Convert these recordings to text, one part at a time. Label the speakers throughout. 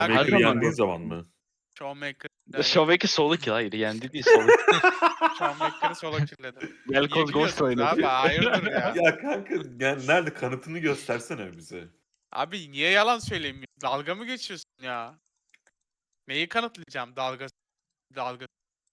Speaker 1: Showmaker'ı
Speaker 2: Her
Speaker 1: yendiğin
Speaker 2: zaman
Speaker 1: zaman mı?
Speaker 3: Showmaker.
Speaker 2: Showmaker solo kill, hayır yendi değil solo kill.
Speaker 3: Showmaker'ı solo kill'ledim. Niye
Speaker 2: Velkoz Ghost
Speaker 3: gülüyorsunuz
Speaker 2: oynadı.
Speaker 3: abi? Hayırdır ya?
Speaker 1: Ya kanka yani nerede kanıtını göstersene bize.
Speaker 3: Abi niye yalan söyleyeyim? Dalga mı geçiyorsun ya? Neyi kanıtlayacağım? Dalga.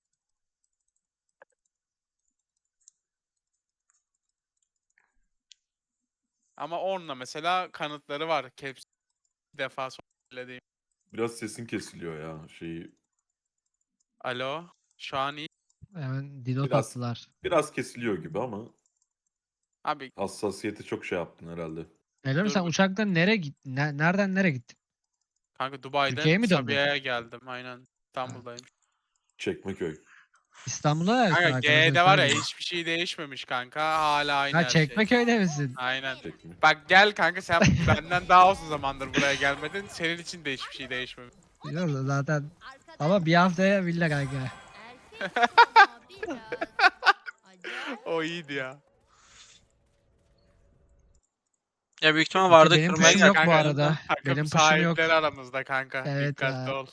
Speaker 3: Ama onunla mesela kanıtları var. Caps defa söylediğim.
Speaker 1: Biraz sesin kesiliyor ya şeyi.
Speaker 3: Alo. Şu an iyi.
Speaker 4: Hemen dino
Speaker 1: Biraz-
Speaker 4: attılar.
Speaker 1: Biraz kesiliyor gibi ama
Speaker 3: Abi
Speaker 1: hassasiyeti çok şey yaptın herhalde.
Speaker 4: Öyle mi
Speaker 3: Dur
Speaker 4: sen
Speaker 3: bir-
Speaker 4: uçaktan nereye gittin? Nereden nereye gittin?
Speaker 3: kanka Dubai'den
Speaker 4: Türkiye'ye mi döndün?
Speaker 3: Sabiha'ya geldim. Aynen. İstanbul'dayım.
Speaker 1: Çekmeköy.
Speaker 4: İstanbul'da neredesin
Speaker 3: Kanka
Speaker 4: arkadaşlar?
Speaker 3: G'de var ya
Speaker 4: Söyleyin.
Speaker 3: hiçbir şey değişmemiş kanka. Hala aynı
Speaker 4: Ha
Speaker 3: her şey.
Speaker 4: Çekmeköy'de misin?
Speaker 3: Aynen.
Speaker 1: Çekme.
Speaker 3: Bak gel kanka sen benden daha uzun zamandır buraya gelmedin. Senin için de hiçbir şey değişmemiş.
Speaker 4: Yok zaten. Ama bir haftaya villa kanka.
Speaker 3: O iyiydi ya.
Speaker 5: Ya büyük ihtimal vardı
Speaker 4: Benim
Speaker 5: kırmaya
Speaker 4: kuşum yok
Speaker 5: geldi.
Speaker 4: bu
Speaker 3: Kanka,
Speaker 4: arada.
Speaker 3: Takım
Speaker 4: Benim kuşum yok.
Speaker 3: sahipleri aramızda kanka.
Speaker 4: Evet
Speaker 3: Dikkatli
Speaker 4: ya.
Speaker 3: ol.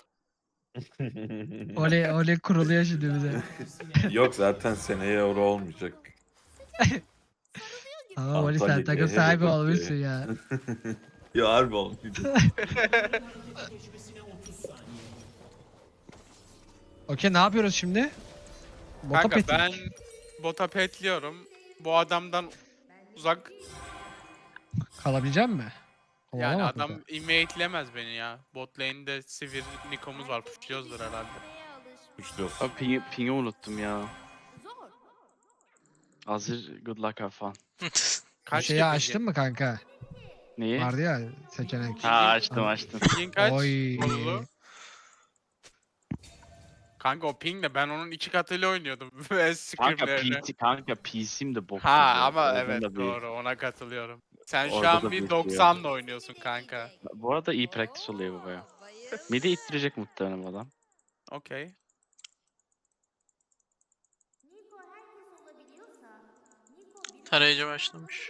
Speaker 4: Oli kuruluyor şimdi bize.
Speaker 1: Yok zaten seneye euro olmayacak.
Speaker 4: Ama Oli sen
Speaker 1: Antalya
Speaker 4: takım
Speaker 1: G'ye
Speaker 4: sahibi
Speaker 1: de
Speaker 4: olmuşsun ya.
Speaker 1: Ya harbi olmayacak.
Speaker 4: Okey ne yapıyoruz şimdi? Bota
Speaker 3: Kanka
Speaker 4: petlik.
Speaker 3: ben bota petliyorum. Bu adamdan uzak
Speaker 4: Kalabilecek mi?
Speaker 3: yani adam invade'lemez beni ya. Bot lane'de Sivir Niko'muz var. Pushluyoruzdur herhalde.
Speaker 1: Üçlüyorsun.
Speaker 2: Abi ping'i unuttum ya. Hazır good luck have fun.
Speaker 3: Kaç
Speaker 4: Şeyi açtın mı kanka?
Speaker 2: Neyi?
Speaker 4: Vardı ya seçenek.
Speaker 2: Ha açtım.
Speaker 3: Ping kaç?
Speaker 4: Oy.
Speaker 3: Olulu. Kanka o pingle ben onun 2 katıyla oynuyordum. Ve scrimlerine.
Speaker 2: Kanka PC'm de bok.
Speaker 3: Ha
Speaker 2: gibi.
Speaker 3: ama
Speaker 2: Oradan
Speaker 3: evet
Speaker 2: da bir-
Speaker 3: doğru ona katılıyorum. Sen şu
Speaker 2: Orada
Speaker 3: an
Speaker 2: da
Speaker 3: bir
Speaker 2: bir
Speaker 3: 90'la oynuyorsun kanka.
Speaker 2: Bu arada iyi practice oluyor bu baya. Midi ittirecek muhtemelen bu adam.
Speaker 3: Okey.
Speaker 5: Tarayıcı başlamış.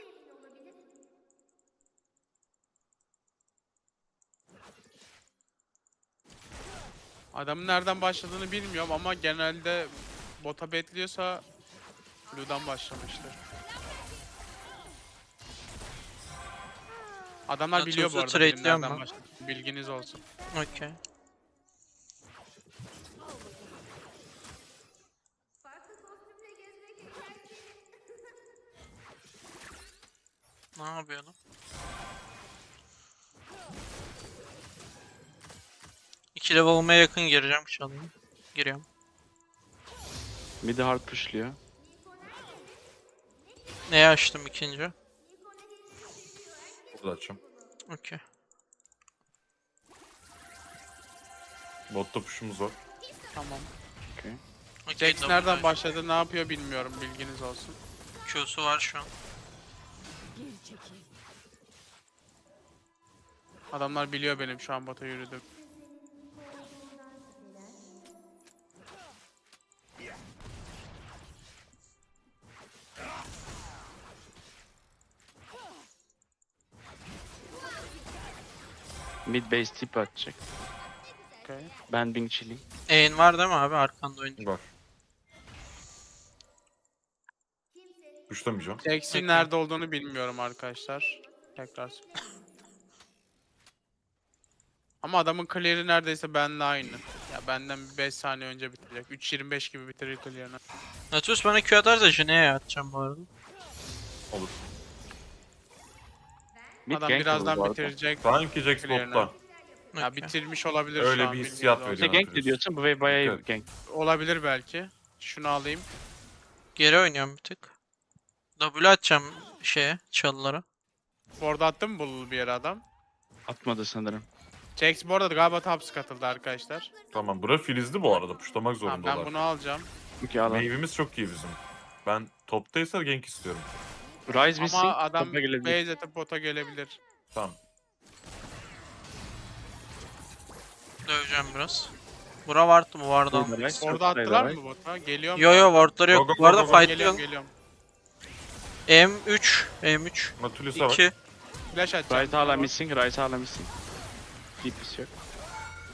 Speaker 3: Adamın nereden başladığını bilmiyorum ama genelde bota betliyorsa Blue'dan başlamıştır. Adamlar
Speaker 5: Ya
Speaker 3: biliyor bu
Speaker 5: Tuğsuz
Speaker 3: arada benim
Speaker 5: trade'liyor
Speaker 3: nereden
Speaker 5: mu?
Speaker 3: başladığımı. Bilginiz olsun.
Speaker 5: Okey. Ne yapıyor lan? İki level olmaya yakın gireceğim çalayım. Giriyorum.
Speaker 2: Midi hard pushluyor.
Speaker 5: Neye açtım ikinci?
Speaker 1: Burada açacağım.
Speaker 5: Okey.
Speaker 1: Botta push'umuz var.
Speaker 3: Tamam.
Speaker 5: Okey,
Speaker 3: Jax
Speaker 5: double
Speaker 3: nereden
Speaker 5: dash.
Speaker 3: başladı ne yapıyor bilmiyorum bilginiz olsun.
Speaker 5: Q'su var şu an.
Speaker 3: Adamlar biliyor benim şu an bota yürüdüm.
Speaker 2: Mid base tip atacak.
Speaker 3: Okey.
Speaker 2: Ben Bing chilling.
Speaker 5: E'in var değil mi abi? Arkanda oynuyor.
Speaker 1: Var. Pushlamayacağım.
Speaker 3: Jax'in
Speaker 5: Okey.
Speaker 3: nerede olduğunu bilmiyorum arkadaşlar. Tekrar. Ama adamın clear'i neredeyse benimle aynı. Ya benden bir 5 saniye önce bitirecek. 3.25 gibi bitirir clear'ını.
Speaker 5: Nautilus bana Q atarsa Jine'ye atacağım bu arada.
Speaker 1: Olur.
Speaker 2: Mid
Speaker 3: Adam
Speaker 2: gank
Speaker 3: birazdan
Speaker 2: bu arada.
Speaker 3: bitirecek.
Speaker 1: Sanki Jax
Speaker 3: Clear'ını.
Speaker 1: botta.
Speaker 3: Ya
Speaker 5: Okey.
Speaker 3: bitirmiş olabilir
Speaker 1: Öyle
Speaker 3: şu an.
Speaker 1: bir
Speaker 3: bilginiz
Speaker 1: hissiyat
Speaker 3: olsun.
Speaker 1: veriyor.
Speaker 2: İşte gank de diyorsun bu way bayağı
Speaker 1: Evet.
Speaker 2: gank.
Speaker 3: Olabilir belki. Şunu alayım.
Speaker 5: Geri oynuyorum bir tık. W atacağım şeye, çalılara.
Speaker 3: Orada attı mı bululu bir yere adam?
Speaker 2: Atmadı sanırım.
Speaker 3: Jax bu arada galiba taps katıldı arkadaşlar.
Speaker 1: Tamam bura filizli bu arada. Pushlamak
Speaker 3: Tamam,
Speaker 1: zorundalar.
Speaker 3: ben bunu alacağım.
Speaker 2: Okey al.
Speaker 1: Meyvemiz çok iyi bizim. Ben toptaysa gank istiyorum.
Speaker 2: Rise missing.
Speaker 3: Ama adam
Speaker 2: topa gelebilir.
Speaker 3: base atıp bota gelebilir.
Speaker 1: Tamam.
Speaker 5: Döveceğim biraz. Bura vardı mı? Vardı
Speaker 2: Burada
Speaker 5: ama.
Speaker 2: Rise,
Speaker 3: Orada
Speaker 2: çok
Speaker 3: attılar
Speaker 2: sayıda
Speaker 3: mı bota? Geliyor mu?
Speaker 5: Yo yo wardları
Speaker 1: Go,
Speaker 5: yok.
Speaker 1: go,
Speaker 5: Bu arada
Speaker 1: go, go, go.
Speaker 3: Geliyorum
Speaker 5: fightlıyorum.
Speaker 3: geliyorum.
Speaker 5: M3. M3.
Speaker 1: Natulus'a bak.
Speaker 5: 2.
Speaker 3: Flash atacağım.
Speaker 2: Rise hala
Speaker 3: Tamam.
Speaker 2: missing. Rise hala missing. DPS yok.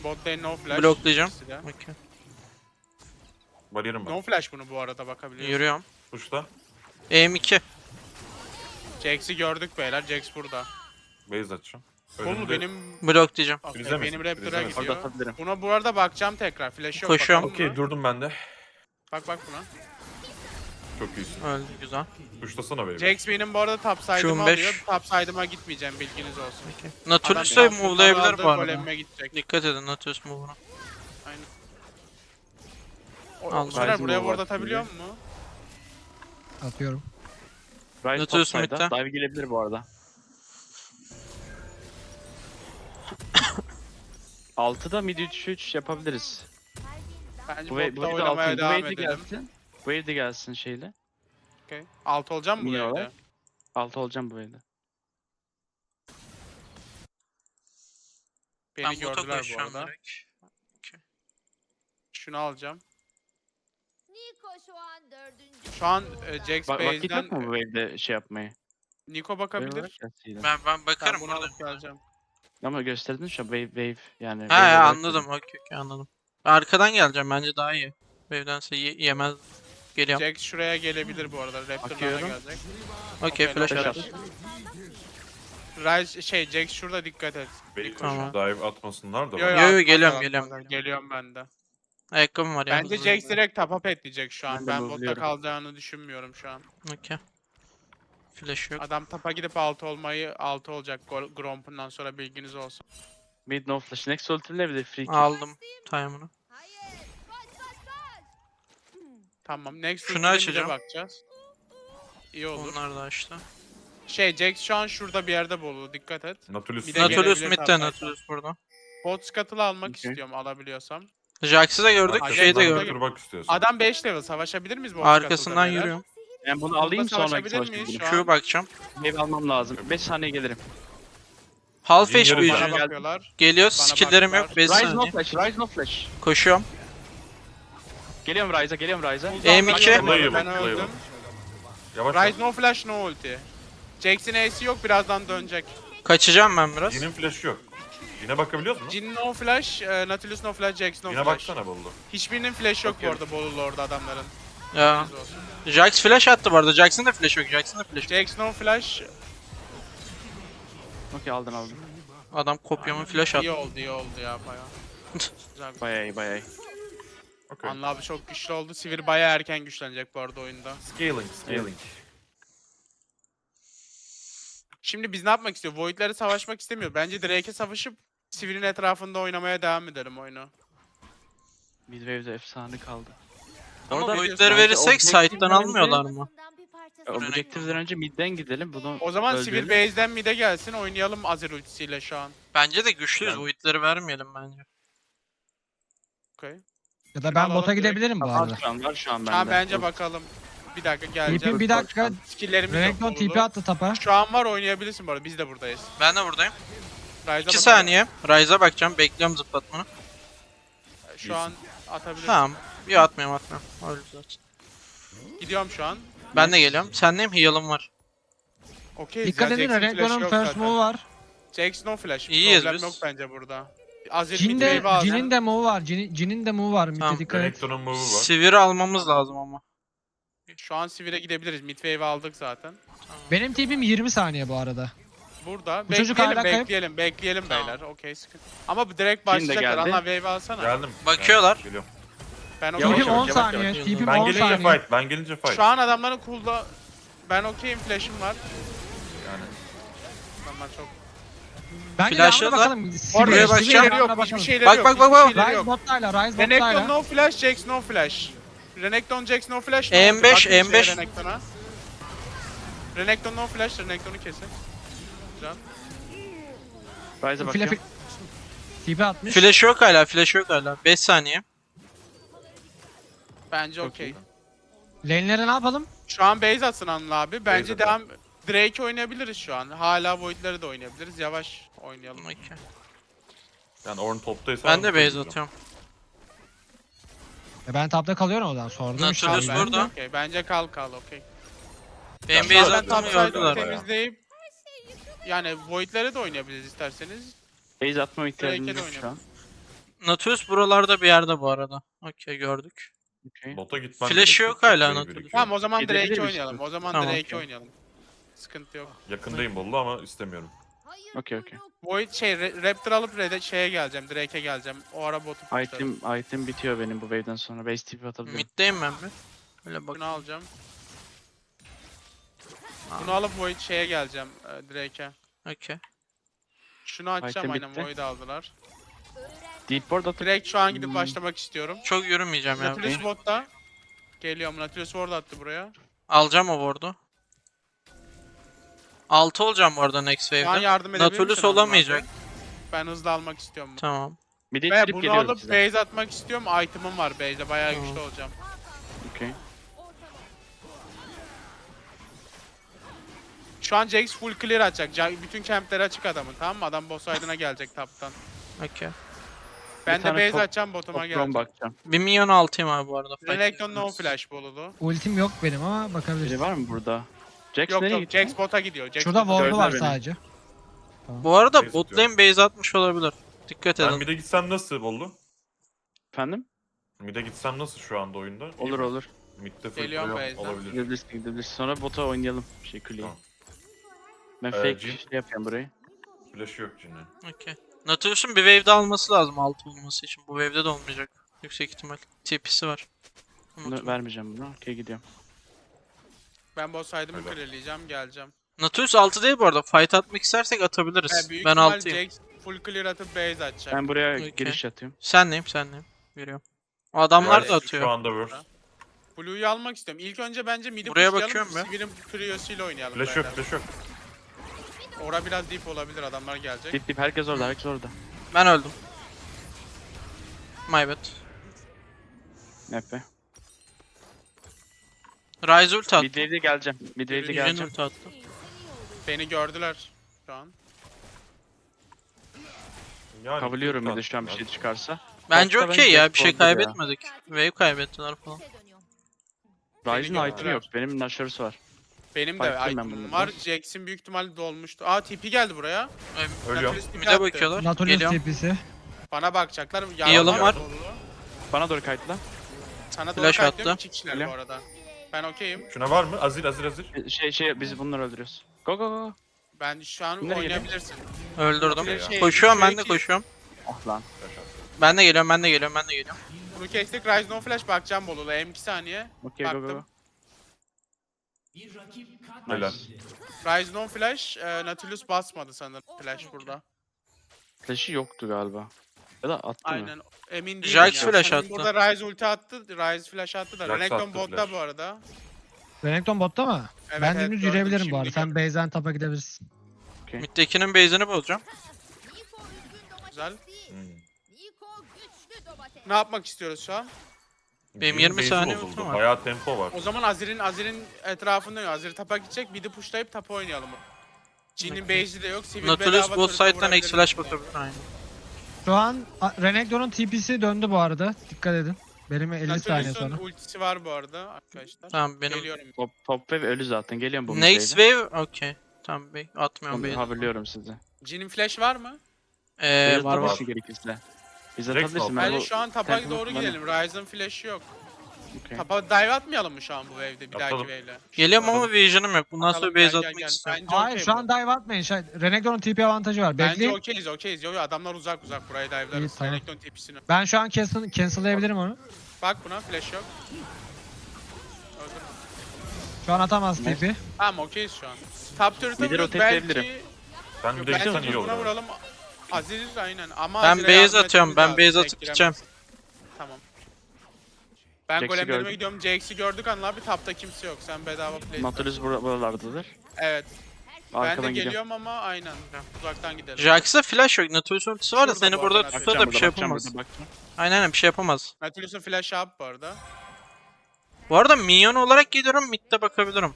Speaker 3: Bot lane no flash.
Speaker 5: Bloklayacağım.
Speaker 3: İkisi de.
Speaker 5: Okey.
Speaker 1: Bariyerim
Speaker 3: No
Speaker 1: var.
Speaker 3: flash bunu bu arada bakabiliyorsun.
Speaker 5: Yürüyorum.
Speaker 1: Tuşta.
Speaker 5: EM2.
Speaker 3: Jax'i gördük beyler. Jax burada.
Speaker 1: Base açacağım.
Speaker 3: Bu mu
Speaker 1: Önümde
Speaker 3: benim?
Speaker 5: Bloklayacağım.
Speaker 3: Okay,
Speaker 1: Frizemesin,
Speaker 3: benim Raptor'a
Speaker 1: frizemesin.
Speaker 3: gidiyor.
Speaker 2: Orada atabilirim.
Speaker 3: Buna bu arada bakacağım tekrar. Flash yok.
Speaker 5: Koşuyorum.
Speaker 3: bakalım
Speaker 1: Okey
Speaker 3: mı?
Speaker 1: durdum ben de.
Speaker 3: Bak buna.
Speaker 1: Çok iyisin.
Speaker 5: Öldü güzel.
Speaker 1: Tuşlasana baby.
Speaker 3: Jax benim bu arada top side'ımı
Speaker 5: Q5.
Speaker 3: alıyor. Top side'ıma gitmeyeceğim, bilginiz olsun.
Speaker 5: Nautilus
Speaker 3: Adam
Speaker 5: da
Speaker 3: biraz
Speaker 5: move'layabilir
Speaker 3: aldı,
Speaker 5: bu arada.
Speaker 3: golemime gidecek.
Speaker 5: Dikkat edin Nautilus move'una.
Speaker 3: Aynen.
Speaker 5: Aldım.
Speaker 3: Soner
Speaker 2: Ryzen
Speaker 3: buraya
Speaker 2: move
Speaker 3: ward
Speaker 2: var
Speaker 3: atabiliyor
Speaker 2: şimdi.
Speaker 3: mu?
Speaker 4: Atıyorum.
Speaker 2: Ryze
Speaker 5: Nautilus
Speaker 2: topside'da.
Speaker 5: mid'de.
Speaker 2: Dive gelebilir bu arada. 6'da mid 3-3 yapabiliriz.
Speaker 3: Bence
Speaker 2: Bu
Speaker 3: botta
Speaker 2: wave de
Speaker 3: oynamaya
Speaker 2: altın. Bu
Speaker 3: devam
Speaker 2: wave de
Speaker 3: edelim.
Speaker 2: gelsin. Bu wave de gelsin şeyle.
Speaker 3: Okay. 6 olacağım mı bu
Speaker 2: Mini
Speaker 3: evde?
Speaker 2: olarak. 6 olacağım bu wave'de.
Speaker 3: Beni
Speaker 5: Ben bota
Speaker 3: gördüler bu
Speaker 5: koşacağım
Speaker 3: arada.
Speaker 5: direkt.
Speaker 3: Şunu alacağım.
Speaker 6: Niko şu an 4.
Speaker 3: Şu an Jax
Speaker 2: Vakit
Speaker 3: base'den
Speaker 2: yok mu bu wave'de şey yapmayı?
Speaker 3: Niko
Speaker 2: Wave
Speaker 3: bakabilir.
Speaker 2: olarak gelsin.
Speaker 5: Ben
Speaker 3: Ben
Speaker 5: bakarım
Speaker 3: bunu
Speaker 5: burada.
Speaker 3: alıp geleceğim.
Speaker 2: Ama gösterdin şu an wave yani.
Speaker 5: Ha
Speaker 2: wave
Speaker 5: ya
Speaker 2: olarak
Speaker 5: anladım. Okey anladım. Arkadan geleceğim bence daha iyi. Wave'dense yemez. Geliyorum.
Speaker 3: Jax şuraya gelebilir bu arada. Raptor'larına
Speaker 2: Bakıyorum.
Speaker 3: gelecek.
Speaker 5: Okey flash
Speaker 2: flash
Speaker 5: at.
Speaker 2: at.
Speaker 3: Ryze Jax şurada dikkat et.
Speaker 1: Base
Speaker 5: Tamam.
Speaker 1: dive atmasınlar da.
Speaker 3: Yo,
Speaker 1: bak.
Speaker 5: Yo,
Speaker 3: atmaz,
Speaker 5: geliyorum,
Speaker 3: atmaz.
Speaker 5: geliyorum.
Speaker 3: Geliyorum ben de.
Speaker 5: Ayakkabım var ya.
Speaker 3: Bence
Speaker 5: hızlı
Speaker 3: Jax
Speaker 5: hızlı.
Speaker 3: direkt top up etleyecek şu an.
Speaker 2: Ben de
Speaker 3: Ben botta
Speaker 2: move'luyorum.
Speaker 3: kalacağını düşünmüyorum şu an.
Speaker 5: Okey. Flash yok.
Speaker 3: Adam tapa gidip 6 olmayı 6 olacak Gromp'undan sonra, bilginiz olsun.
Speaker 2: Mid no flash. Next ultimle bir de free kill.
Speaker 5: Aldım time'ını.
Speaker 6: Hayır. Koş.
Speaker 3: Tamam, next
Speaker 5: Şunu
Speaker 3: ultimate
Speaker 5: açacağım.
Speaker 3: bakacağız. İyi olur.
Speaker 5: Onlar da açtı.
Speaker 3: Jax şu an şurada bir yerde bolu, dikkat et.
Speaker 1: Nautilus.
Speaker 3: Bir de
Speaker 5: Nautilus
Speaker 3: gelebilir
Speaker 5: mid'de
Speaker 3: zaten.
Speaker 5: Nautilus burada.
Speaker 3: Bot scuttle'ı almak
Speaker 2: Okey.
Speaker 3: istiyorum alabiliyorsam.
Speaker 5: Jax'ı da gördük,
Speaker 3: Arkasından
Speaker 5: şeyi de
Speaker 3: da
Speaker 5: gördük.
Speaker 3: gördük.
Speaker 1: Bak istiyorsan.
Speaker 3: Adam 5 level, savaşabilir miyiz bu
Speaker 5: Arkasından yürüyorum.
Speaker 2: Ben bunu alayım sonra
Speaker 3: savaşabilir miyiz
Speaker 2: savaşabilirim.
Speaker 3: şu an?
Speaker 5: Q bakacağım.
Speaker 2: Wave almam lazım. 5 saniye gelirim.
Speaker 5: Half
Speaker 1: Jin
Speaker 5: HP
Speaker 1: yarı
Speaker 3: Bana
Speaker 1: Jin.
Speaker 5: Jin.
Speaker 3: bakıyorlar.
Speaker 5: Geliyor,
Speaker 3: Bana
Speaker 5: skill'lerim yok.
Speaker 3: baktılar.
Speaker 5: 5
Speaker 2: Rise no
Speaker 5: saniye.
Speaker 2: flash. Rise no flash.
Speaker 5: Koşuyorum.
Speaker 2: Geliyorum Rise'a. Geliyorum Rise'a.
Speaker 5: M2.
Speaker 1: Playable,
Speaker 3: Ben
Speaker 1: playable.
Speaker 3: öldüm.
Speaker 1: Yavaş
Speaker 3: Rise
Speaker 1: yavaş.
Speaker 3: no flash no ulti. Jax'in Ace yok, birazdan dönecek.
Speaker 5: Kaçacağım ben biraz.
Speaker 1: Jin'in flash'ı yok. Jin'e bakabiliyor musun?
Speaker 3: Jin no flash, Nautilus no flash, Jax no
Speaker 1: Jin'e
Speaker 3: flash.
Speaker 1: baksana buldu.
Speaker 3: Hiçbirinin flash yok bu
Speaker 1: Bakıyorum.
Speaker 3: arada Bolulu orada adamların.
Speaker 5: Ya.
Speaker 3: Bilginiz olsun.
Speaker 5: Jax flash attı bu arada. Jax'ın da flash yok. Jax'ın da flash yok.
Speaker 3: Jax no flash
Speaker 2: Okey aldın aldın.
Speaker 5: Adam kopyamın flash
Speaker 3: iyi
Speaker 5: attı.
Speaker 3: oldu, iyi oldu ya bayağı. Güzel.
Speaker 2: Bayağı iyi bayağı iyi.
Speaker 1: Okey.
Speaker 3: Anla abi çok güçlü oldu. Sivir bayağı erken güçlenecek bu arada oyunda.
Speaker 1: Scaling.
Speaker 3: Şimdi biz ne yapmak istiyor? Void'lere savaşmak istemiyor. Bence Drake'e savaşıp Sivir'in etrafında oynamaya devam edelim oyunu.
Speaker 2: Mid wave'de efsane kaldı.
Speaker 5: Ama
Speaker 2: Orada
Speaker 5: boyutları
Speaker 2: bence
Speaker 5: verirsek
Speaker 2: objektiften
Speaker 5: side'dan
Speaker 2: önce-
Speaker 5: almıyorlar mı?
Speaker 2: Objektiften önce midden gidelim. Bunu
Speaker 3: O zaman
Speaker 2: öldürelim.
Speaker 3: Sivir base'den mid'e gelsin, oynayalım Azir ultisiyle şu an.
Speaker 5: Bence de güçlüyüz.
Speaker 1: Ben-
Speaker 5: Void'leri vermeyelim bence.
Speaker 3: Okay.
Speaker 4: Ya da ben
Speaker 3: alalım
Speaker 4: bota
Speaker 3: direkt.
Speaker 4: gidebilirim bu
Speaker 2: Var
Speaker 4: arada.
Speaker 2: şu an var şu an bende.
Speaker 3: Şu an bence bakalım. Bir dakika geleceğim.
Speaker 4: TP'm bir dakika.
Speaker 3: Skill'lerimiz yok.
Speaker 4: Renekton
Speaker 3: Bolulu.
Speaker 4: TP attı tapa.
Speaker 3: Şu an var, oynayabilirsin bu arada. Biz de buradayız.
Speaker 5: Ben de buradayım.
Speaker 3: Ryze'a
Speaker 5: 2
Speaker 3: bakalım.
Speaker 5: saniye. Ryze'a bakacağım. Bekliyorum zıplatmanı.
Speaker 3: Şu an atabilirsin.
Speaker 5: Tamam. Bir atmayayım. Öyle zaten.
Speaker 3: Gidiyorum şu an.
Speaker 5: Ben de geliyorum. Sendeyim, heal'ım var.
Speaker 3: Okey.
Speaker 4: Dikkat edin Renekton'un first move var.
Speaker 3: Jax no flash.
Speaker 5: İyiyiz
Speaker 3: Problem
Speaker 5: biz.
Speaker 3: yok bence burada. Azir
Speaker 4: Jin
Speaker 3: mid
Speaker 4: de,
Speaker 3: wave'i alacağım.
Speaker 4: Jin'in de move var. Jin'in de move var.
Speaker 5: Tamam.
Speaker 4: Mid'e dikkat et.
Speaker 1: Renekton'un move'u var.
Speaker 5: Sivir'i almamız lazım ama.
Speaker 3: Şu an Sivir'e gidebiliriz. Mid wave'i aldık zaten.
Speaker 4: Benim TP'm 20 saniye bu arada.
Speaker 3: Burada.
Speaker 4: Bu çocuk
Speaker 3: Bekleyelim,
Speaker 4: hala kayıp.
Speaker 3: bekleyelim
Speaker 5: Tamam.
Speaker 3: beyler. Okey, sıkıntı. Ama bu direkt
Speaker 2: de
Speaker 3: başlayacaklar.
Speaker 2: geldi.
Speaker 3: Allah wave alsana.
Speaker 1: Geldim.
Speaker 5: Bakıyorlar.
Speaker 1: Geliyorum.
Speaker 3: Ben
Speaker 2: Yavaş
Speaker 3: okeyim.
Speaker 4: TP'm
Speaker 2: yavaş,
Speaker 4: 10
Speaker 2: yavaş
Speaker 4: saniye.
Speaker 5: yavaş.
Speaker 4: TP'm
Speaker 1: Ben
Speaker 4: 10
Speaker 1: gelince
Speaker 4: saniye.
Speaker 1: fight. Ben gelince fight.
Speaker 3: Şu an adamların cool'da... Ben okeyim, flash'ım var.
Speaker 1: Yani.
Speaker 3: Adamlar çok...
Speaker 4: Bence
Speaker 5: Flash'la
Speaker 4: devamına bakalım.
Speaker 3: Orada
Speaker 5: Buraya
Speaker 3: hiçbir
Speaker 5: bakacağım.
Speaker 3: şeyleri yok.
Speaker 4: Bakalım.
Speaker 3: Hiçbir şeyleri
Speaker 5: Bak,
Speaker 3: yok.
Speaker 5: bak, bak, bak.
Speaker 3: hiçbir şeyleri
Speaker 4: Rise
Speaker 3: yok.
Speaker 4: bot'tayla. Rise
Speaker 3: Renekton
Speaker 4: bot'tayla.
Speaker 3: no flash, Jax no flash. Renekton, Jax no flash.
Speaker 5: M5,
Speaker 3: oldu? Bakın şeye
Speaker 5: M5.
Speaker 3: Renekton'a. Renekton no flash, Renekton'u kesin. Güzel.
Speaker 2: Rise'a bakıyorum.
Speaker 4: TP atmış.
Speaker 5: Flash yok hala. Flash yok hala. 5 saniye.
Speaker 3: Bence
Speaker 2: Çok
Speaker 3: okey.
Speaker 2: iyi.
Speaker 4: Lane'lere ne yapalım?
Speaker 3: Şu an base atsın Anıl abi. Bence
Speaker 1: Base
Speaker 3: devam... Drake oynayabiliriz şu an. Hala Void'leri de oynayabiliriz. Yavaş oynayalım.
Speaker 5: Okey.
Speaker 1: Yani Ornn toptaysa...
Speaker 5: Ben de
Speaker 1: Ornn'u
Speaker 5: base
Speaker 1: tutacağım.
Speaker 5: atıyorum.
Speaker 4: Ben tapta kalıyorum o zaman. Sordum işte.
Speaker 5: Nautilus
Speaker 4: abi.
Speaker 5: burada.
Speaker 3: Okey, bence kal okey.
Speaker 5: Benim
Speaker 1: Ben
Speaker 5: base
Speaker 3: Ben
Speaker 1: zaten
Speaker 3: top
Speaker 5: attığımı
Speaker 3: side'ı
Speaker 5: gördüler.
Speaker 1: bayağı.
Speaker 3: temizleyip... Yani Void'lere de oynayabiliriz isterseniz.
Speaker 2: Base atma ihtiyacımız
Speaker 3: Drake'e de
Speaker 2: yok şu an.
Speaker 5: Nautilus buralarda bir yerde bu arada. Okey gördük.
Speaker 2: Okey.
Speaker 1: Bota gitmem
Speaker 5: Flash
Speaker 1: gerekiyor,
Speaker 5: yok
Speaker 1: çok
Speaker 5: hala
Speaker 1: wave
Speaker 5: Nautilus.
Speaker 1: birikiyor.
Speaker 3: Tamam o zaman
Speaker 2: Gidebilir
Speaker 3: Drake
Speaker 2: misin?
Speaker 3: oynayalım. O zaman
Speaker 5: Tamam.
Speaker 3: Drake oynayalım. Sıkıntı yok.
Speaker 1: Yakındayım Bollu ama istemiyorum.
Speaker 6: Hayır,
Speaker 2: Okey, okey.
Speaker 6: kuyruk.
Speaker 3: Void Raptor alıp şeye geleceğim. Drake'e geleceğim. O ara botu pushlarım.
Speaker 2: Item bitiyor benim bu wave'den sonra. Base TP atabilirim.
Speaker 5: Mid'deyim ben bir. Öyle bak.
Speaker 3: Bunu alacağım. Bunu alıp Void şeye geleceğim. Drake'e.
Speaker 5: Okey.
Speaker 3: Şunu açacağım,
Speaker 2: Item
Speaker 3: aynen
Speaker 2: bitti.
Speaker 3: Void'i aldılar.
Speaker 2: Deep board atıp
Speaker 3: Direkt şu an gidip başlamak istiyorum.
Speaker 5: Çok yürümeyeceğim ya.
Speaker 3: Nautilus botta. Geliyorum. Nautilus ward attı buraya.
Speaker 5: Alacağım o ward'u. 6 olacağım bu arada next
Speaker 3: Şu an
Speaker 5: wave'de.
Speaker 3: yardım edebilir
Speaker 5: Nautilus
Speaker 3: misin
Speaker 5: olamayacak.
Speaker 3: onlarla? Ben hızlı almak istiyorum bunu.
Speaker 5: Tamam.
Speaker 2: mid'e
Speaker 3: Ve
Speaker 2: ittirip
Speaker 3: bunu
Speaker 2: geliyorum
Speaker 3: alıp
Speaker 2: size.
Speaker 3: base atmak istiyorum. Item'ım var base'de. Bayağı
Speaker 5: Tamam.
Speaker 3: güçlü olacağım.
Speaker 2: Okey.
Speaker 3: Şu an Jax full clear atacak. Bütün campleri açık adamın, tamam mı? Adam boss side'ına gelecek taptan.
Speaker 5: Okey.
Speaker 3: Ben de
Speaker 2: tane
Speaker 3: base
Speaker 2: top-
Speaker 3: atacağım, botuma
Speaker 2: Top drone
Speaker 3: geleceğim.
Speaker 2: bakacağım.
Speaker 5: 1 milyon altıyım abi bu arada.
Speaker 3: Renekton no flash bolulu.
Speaker 4: Ultim yok benim ama
Speaker 2: Biri
Speaker 4: bakabiliriz.
Speaker 2: var mı burada? Jax
Speaker 3: Yok
Speaker 2: nereye
Speaker 3: yok,
Speaker 2: gitti?
Speaker 3: Jax bota gidiyor. Jax
Speaker 4: Şurada
Speaker 3: bota-
Speaker 4: ward'u var
Speaker 2: Gördüler beni.
Speaker 4: sadece.
Speaker 5: Bu arada
Speaker 1: Base
Speaker 5: bot
Speaker 1: atıyorum.
Speaker 5: lane base atmış olabilir. Dikkat
Speaker 1: Ben
Speaker 5: edin.
Speaker 1: mid'e gitsem nasıl Bollu?
Speaker 2: Efendim?
Speaker 1: Mid'e gitsem nasıl şu anda oyunda? İyi
Speaker 2: Olur
Speaker 1: mi?
Speaker 2: olur.
Speaker 1: Mid'de full
Speaker 3: Geliyorum
Speaker 1: Leon
Speaker 3: base'den.
Speaker 1: olabilir.
Speaker 2: Gidebilirsin. Sonra bota oynayalım. Kuleyi.
Speaker 1: Tamam.
Speaker 2: Ben fake
Speaker 1: Jhin.
Speaker 2: şey yapıyorum burayı.
Speaker 1: Flash'ı yok Jin'in.
Speaker 5: Okey. Nautilus'un bir wave'de alması lazım 6 olması için. Bu wave'de de olmayacak. Yüksek ihtimal. TP'si var.
Speaker 2: Bunu
Speaker 5: Unutma.
Speaker 2: vermeyeceğim bunu. Okey gidiyorum.
Speaker 3: Ben boss side'ımı
Speaker 1: Öyle.
Speaker 3: clearleyeceğim, geleceğim.
Speaker 5: Nautilus 6 değil bu arada. Fight atmak istersek atabiliriz.
Speaker 3: Büyük
Speaker 5: Ben
Speaker 3: ihtimal
Speaker 5: 6'yım.
Speaker 3: Jax full clear atıp base atacak.
Speaker 2: Ben buraya
Speaker 5: Okey.
Speaker 2: giriş atıyorum.
Speaker 5: Senleyim. Veriyorum. O adamlar
Speaker 1: Yani
Speaker 5: da atıyor.
Speaker 1: Şu anda worst.
Speaker 3: Blue'yu almak istiyorum. İlk önce bence mid'i
Speaker 5: Buraya
Speaker 3: pushlayalım.
Speaker 5: bakıyorum ben.
Speaker 3: Sivir'in Curios'uyla oynayalım.
Speaker 1: Flash yok,
Speaker 3: beyler.
Speaker 1: flash yok.
Speaker 3: Ora biraz deep olabilir, adamlar gelecek.
Speaker 2: Dip herkes orada herkes orada.
Speaker 5: Ben öldüm. My bad.
Speaker 2: Nepe.
Speaker 5: Ryze ult attı.
Speaker 2: Midwave'de geleceğim. Midwave'de
Speaker 3: Yürü,
Speaker 5: Jhin
Speaker 2: geleceğim.
Speaker 5: ult attı.
Speaker 3: Beni gördüler şu an.
Speaker 1: Yani
Speaker 2: Kavuluyorum
Speaker 1: çok
Speaker 2: mid'e şu an bir
Speaker 1: tatlı
Speaker 2: şey çıkarsa.
Speaker 5: Bence
Speaker 2: Topta
Speaker 5: okey
Speaker 2: bence
Speaker 5: ya. Bir şey
Speaker 2: oldu ya.
Speaker 5: kaybetmedik. Wave kaybettiler falan.
Speaker 2: Ryze'ın
Speaker 3: gördüler.
Speaker 2: item'i yok. Benim Nashor'su var.
Speaker 3: Benim de
Speaker 2: Fight'tayım ben
Speaker 3: item'ım
Speaker 2: bununla.
Speaker 3: var. Jax'in büyük ihtimalle dolmuştu. Aa TP geldi buraya.
Speaker 1: Ölüyorum.
Speaker 3: Nautilus TP
Speaker 5: Bir de
Speaker 3: attı.
Speaker 5: bakıyorlar.
Speaker 4: Nautilus
Speaker 5: Geliyorum.
Speaker 4: TP'si.
Speaker 3: Bana bakacaklar.
Speaker 5: Yalım var.
Speaker 2: Bana doğru kayıtla.
Speaker 3: Sana doğru
Speaker 5: Flash
Speaker 3: kayıtlıyorum.
Speaker 5: attı.
Speaker 3: 2 kişiler
Speaker 2: Öyle.
Speaker 3: bu arada. Ben okeyim.
Speaker 1: Şuna var mı? Azir.
Speaker 2: Biz bunları öldürüyoruz. Go go go.
Speaker 3: Ben şu an
Speaker 2: Nereye
Speaker 3: oynayabilirsin.
Speaker 5: Öldürdüm.
Speaker 3: Şey,
Speaker 5: Koşuyorum ben de
Speaker 3: şey-
Speaker 5: koşuyorum.
Speaker 2: Ah lan.
Speaker 5: Ben de geliyorum.
Speaker 3: Bunu kestik. Rise no flash bakacağım Bolulu. M2 saniye.
Speaker 2: Okey go go go.
Speaker 3: Baktım.
Speaker 1: Helal.
Speaker 3: Rise no flash. Nautilus basmadı sanırım flash burada.
Speaker 2: Flash'ı yoktu galiba. Ya da attı mı?
Speaker 3: Aynen. Emin değilim
Speaker 5: Jax
Speaker 3: ya.
Speaker 5: flash
Speaker 3: Sanırım
Speaker 5: attı.
Speaker 3: Burada Rise ulti attı. Rise flash attı da.
Speaker 1: Jax
Speaker 3: Renekton
Speaker 1: attı
Speaker 3: botta
Speaker 1: flash.
Speaker 3: bu arada.
Speaker 4: Renekton botta mı?
Speaker 3: Evet,
Speaker 4: Ben
Speaker 3: evet,
Speaker 4: dümdüz
Speaker 3: gördüm,
Speaker 4: yürüyebilirim bu arada.
Speaker 3: şimdi
Speaker 4: Sen base'den tapa gidebilirsin.
Speaker 5: Mid'dekinin base'ini bozacağım.
Speaker 6: Niko üzgün domates
Speaker 3: Güzel.
Speaker 6: değil.
Speaker 1: Hmm.
Speaker 6: Niko güçlü domates.
Speaker 3: Ne yapmak istiyoruz şu an?
Speaker 5: Benim
Speaker 1: Jin'in
Speaker 5: 20
Speaker 1: base'i
Speaker 5: saniye
Speaker 1: bozuldu.
Speaker 5: ultim var.
Speaker 1: Bayağı tempo var.
Speaker 3: O zaman Azir'in etrafında yok. Azir tapa gidecek. Bir de pushlayıp tapa oynayalım. Jin'in base'i de yok. Sivil
Speaker 5: Nautilus
Speaker 3: bedava
Speaker 5: bot
Speaker 3: turret'e
Speaker 5: side'dan
Speaker 3: vurabilir
Speaker 5: X-Flash
Speaker 3: bizi.
Speaker 5: bakabilir. Aynen.
Speaker 4: Şu an Renekton'un TP'si döndü bu arada. Dikkat edin. Benim 50 saniye
Speaker 3: Nautilus'un
Speaker 4: sonra.
Speaker 3: ultisi var bu arada arkadaşlar.
Speaker 5: Tamam benim.
Speaker 3: Geliyorum.
Speaker 2: Top wave ölü zaten. Geliyorum bu
Speaker 5: Next wave okey. Tamam bey. Atmıyorum
Speaker 2: Onu
Speaker 5: base'i.
Speaker 2: haberliyorum size.
Speaker 3: Jin'in flash var mı?
Speaker 2: Biraz
Speaker 5: Var
Speaker 2: daha
Speaker 5: var.
Speaker 2: başı gerekirse. Biz
Speaker 1: Jax
Speaker 2: atabilirsin.
Speaker 1: mi
Speaker 2: Ben
Speaker 3: Bence
Speaker 2: bu...
Speaker 3: şu an tapa
Speaker 2: tempo
Speaker 3: doğru
Speaker 2: bana-
Speaker 3: gidelim. Ryze'ın flash'ı yok.
Speaker 2: Okey.
Speaker 3: Tapa dive atmayalım mı şu an bu wave'de? Bir dahaki
Speaker 1: Atalım.
Speaker 3: wave'le.
Speaker 5: Geliyorum ama vision'ım yok. Bundan sonra
Speaker 3: Atalım,
Speaker 5: base
Speaker 3: gel,
Speaker 5: atmak
Speaker 3: gel.
Speaker 5: istiyorum.
Speaker 3: Bence
Speaker 4: Hayır
Speaker 3: okey
Speaker 4: şu
Speaker 3: bu.
Speaker 4: an dive atmayın. Renekton'un TP avantajı var.
Speaker 3: Bence
Speaker 4: Bekleyin.
Speaker 3: okeyiz. Yo adamlar uzak buraya
Speaker 4: İyi,
Speaker 3: dive'larız.
Speaker 4: tamam.
Speaker 3: Renekton tepisini.
Speaker 4: Ben şu an cancel'layabilirim onu.
Speaker 3: Bak buna flash yok. Öldür.
Speaker 4: Şu an atamaz
Speaker 2: Ne?
Speaker 4: TP.
Speaker 3: Tamam okeyiz şu an. Top turret'a
Speaker 2: Mid'e
Speaker 3: vuruyoruz
Speaker 2: rotate
Speaker 3: belki.
Speaker 2: edebilirim.
Speaker 1: Ben bir de gitsen
Speaker 3: Bence
Speaker 1: iyi olur.
Speaker 3: buna
Speaker 1: abi.
Speaker 3: vuralım. Azir aynen ama
Speaker 5: Ben
Speaker 3: Azir'e
Speaker 5: base
Speaker 3: yardım
Speaker 5: atıyorum.
Speaker 3: etmemiz
Speaker 5: Ben
Speaker 3: lazım,
Speaker 5: base
Speaker 3: tek
Speaker 5: atıp
Speaker 3: giremez.
Speaker 5: gideceğim.
Speaker 3: Tamam. Ben
Speaker 2: Jax'i
Speaker 3: golemlerime
Speaker 2: gördüm.
Speaker 3: gidiyorum. Jax'i gördük Anıl abi. Tapta kimse yok. Sen bedava play.
Speaker 2: Nautilus buralardadır.
Speaker 3: Evet. Ben de
Speaker 2: Arkadan gidiyorum.
Speaker 3: geliyorum ama aynen. Uzaktan gidelim.
Speaker 5: Jax'a flash yok. Nautilus'un ultisi var da
Speaker 3: Şurada
Speaker 5: seni
Speaker 3: bu
Speaker 5: burada
Speaker 3: arada.
Speaker 5: tutar da bir şey
Speaker 2: Bakacağım
Speaker 5: yapamaz.
Speaker 2: burada, bakacağım.
Speaker 5: Aynen bir şey yapamaz.
Speaker 3: Nautilus'un flash up bu arada.
Speaker 5: Bu arada minyon olarak geliyorum. Mid'de bakabilirim.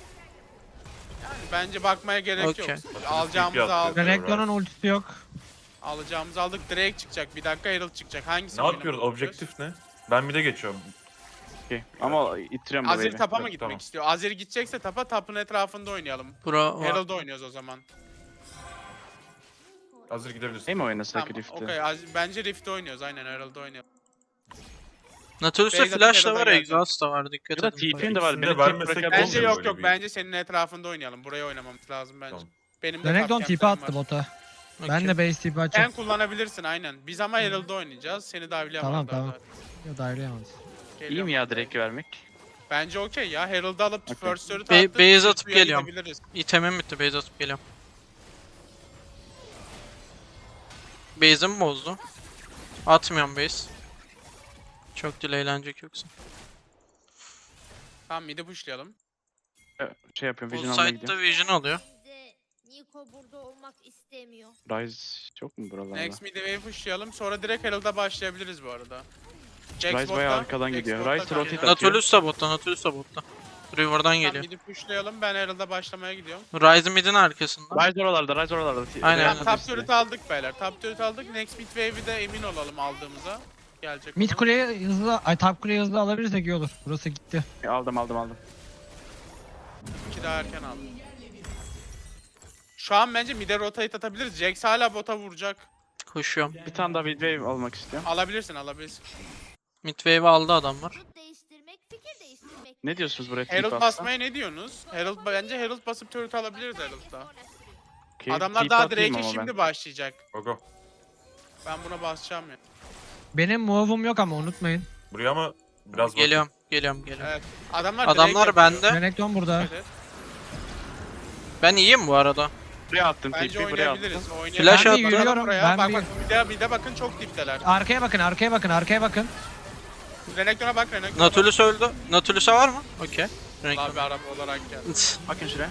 Speaker 3: Bence bakmaya gerek
Speaker 5: Okey.
Speaker 3: yok. Alacağımızı aldık.
Speaker 4: Renekton'un ultisi yok.
Speaker 3: Alacağımızı aldık. Drake çıkacak. Bir dakika Herald çıkacak. Hangisi
Speaker 1: Ne yapıyoruz? Objektif ne? Ben bir de geçiyorum.
Speaker 2: Okey. Ama ittiriyorum bu
Speaker 3: Azir
Speaker 2: wave'i.
Speaker 3: tapa mı
Speaker 1: Yok,
Speaker 3: gitmek
Speaker 1: tamam.
Speaker 3: istiyor? Azir gidecekse tapın etrafında oynayalım.
Speaker 5: Bura var.
Speaker 3: Herald oynuyoruz o zaman.
Speaker 1: Hazır gidebilirsin.
Speaker 2: Değil mi oynasak
Speaker 3: Tamam,
Speaker 2: Rift'i?
Speaker 3: okey. Bence Rift'te oynuyoruz. Aynen Herald'da oynuyoruz.
Speaker 5: Natulus'ta
Speaker 3: Beyzat'ın
Speaker 5: flash da
Speaker 3: yanına
Speaker 5: var,
Speaker 3: geleceğim.
Speaker 5: Exhaust da var. Dikkat
Speaker 2: Ya da
Speaker 5: edin.
Speaker 2: TP'nin de var.
Speaker 1: İkisini
Speaker 2: Beni
Speaker 1: de
Speaker 2: tek
Speaker 1: vermesek
Speaker 2: bırakabilir
Speaker 3: Bence
Speaker 1: olmuyor
Speaker 3: yok
Speaker 1: böyle
Speaker 3: yok.
Speaker 1: bir-
Speaker 3: Bence senin etrafında oynayalım. Buraya oynamamız lazım bence.
Speaker 1: Tamam.
Speaker 3: Benim de
Speaker 4: Renekton
Speaker 3: top
Speaker 4: TP
Speaker 3: camp'lerim
Speaker 4: attı
Speaker 3: var.
Speaker 4: bota.
Speaker 5: Okey.
Speaker 4: Ben de base TP
Speaker 3: Sen
Speaker 4: açacağım.
Speaker 3: kullanabilirsin aynen. Biz ama Herald'da oynayacağız. Seni davlayamazlar.
Speaker 4: Tamam, tamam. Yo daireyemez.
Speaker 2: İyi mi ya direkt vermek?
Speaker 3: Bence okey ya. Herald'ı alıp
Speaker 2: Okey.
Speaker 3: first turret
Speaker 5: Base
Speaker 3: attık.
Speaker 5: atıp
Speaker 3: Suya
Speaker 5: geliyorum.
Speaker 3: gidebiliriz.
Speaker 5: İtemim bitti, base atıp geliyorum. Base'imi bozdu. Atmıyorum base. Çok delaylenecek yoksa.
Speaker 3: Tamam mid'i pushlayalım.
Speaker 2: Şey yapıyorum,
Speaker 5: Bu
Speaker 2: Vision almaya
Speaker 5: side'da
Speaker 2: gidiyorum.
Speaker 5: Vision alıyor.
Speaker 6: Bize Niko burada olmak istemiyor.
Speaker 2: Ryze yok mu buralarda?
Speaker 3: Next mid'i wave pushlayalım. Sonra direkt Herald'a başlayabiliriz bu arada. Jax
Speaker 2: Ryze bayağı
Speaker 3: botta,
Speaker 2: arkadan
Speaker 3: Jax
Speaker 2: gidiyor.
Speaker 3: botta
Speaker 2: Ryze
Speaker 3: kanka.
Speaker 2: rotate atıyor.
Speaker 5: Nautilus da botta, Nautilus da botta. River'dan
Speaker 3: Tamam
Speaker 5: geliyor.
Speaker 3: mid'i pushlayalım. Ben Herald'a başlamaya gidiyorum.
Speaker 5: Ryze mid'in arkasında.
Speaker 2: Ryze oralarda, Ryze oralarda.
Speaker 5: Aynen,
Speaker 3: Tamam,
Speaker 5: aynen.
Speaker 3: top turret aldık beyler. Top turret aldık. Next mid wave'i de emin olalım aldığımıza. Gelecek
Speaker 4: Mid
Speaker 3: olan.
Speaker 4: kuleye hızlı, ay top kuleye hızlı alabilirsek iyi olur. Burası gitti.
Speaker 2: Aldım.
Speaker 3: İki daha erken aldım. Şu an bence mid'e rotate atabiliriz. Jax hala bota vuracak.
Speaker 5: Koşuyorum.
Speaker 2: Bir tane daha midwave almak istiyorum.
Speaker 3: Alabilirsin.
Speaker 5: Mid wave aldı adamlar.
Speaker 6: Grup değiştirmek, fikir değiştirmek.
Speaker 2: Ne diyorsunuz buraya?
Speaker 3: Herald
Speaker 2: TP
Speaker 3: basmaya ne diyorsunuz? Bence Herald basıp turret alabiliriz Herald'da.
Speaker 2: Okey,
Speaker 3: Adamlar
Speaker 2: TP
Speaker 3: daha
Speaker 2: atayım
Speaker 3: Drake'e
Speaker 2: ama ben.
Speaker 3: şimdi başlayacak.
Speaker 1: Go go.
Speaker 3: Ben buna basacağım ya.
Speaker 4: Benim move'um yok ama unutmayın.
Speaker 1: Buraya ama biraz bakın.
Speaker 5: Geliyorum.
Speaker 3: Evet. Adamlar
Speaker 5: Adamlar
Speaker 3: Drake
Speaker 5: bende.
Speaker 3: yapıyor.
Speaker 4: Renekton burada.
Speaker 3: Evet.
Speaker 5: Ben iyiyim bu arada.
Speaker 2: Buraya attım
Speaker 3: Bence
Speaker 2: TP'yi, buraya attım.
Speaker 3: oynayabiliriz. Oynayabiliriz.
Speaker 5: Flash
Speaker 4: Ben
Speaker 5: attı.
Speaker 4: bir yürüyorum.
Speaker 3: Buraya.
Speaker 4: Ben
Speaker 3: Bak
Speaker 4: bir...
Speaker 3: bak bir de bakın çok dipteler.
Speaker 4: Arkaya bakın, arkaya bakın, arkaya bakın.
Speaker 3: Renekton'a bak Renekton'a bak.
Speaker 5: Nautilus öldü. Nautilus'a var mı? Okey. Renekton.
Speaker 3: Abi araba olarak geldi.
Speaker 2: Bakın şuraya.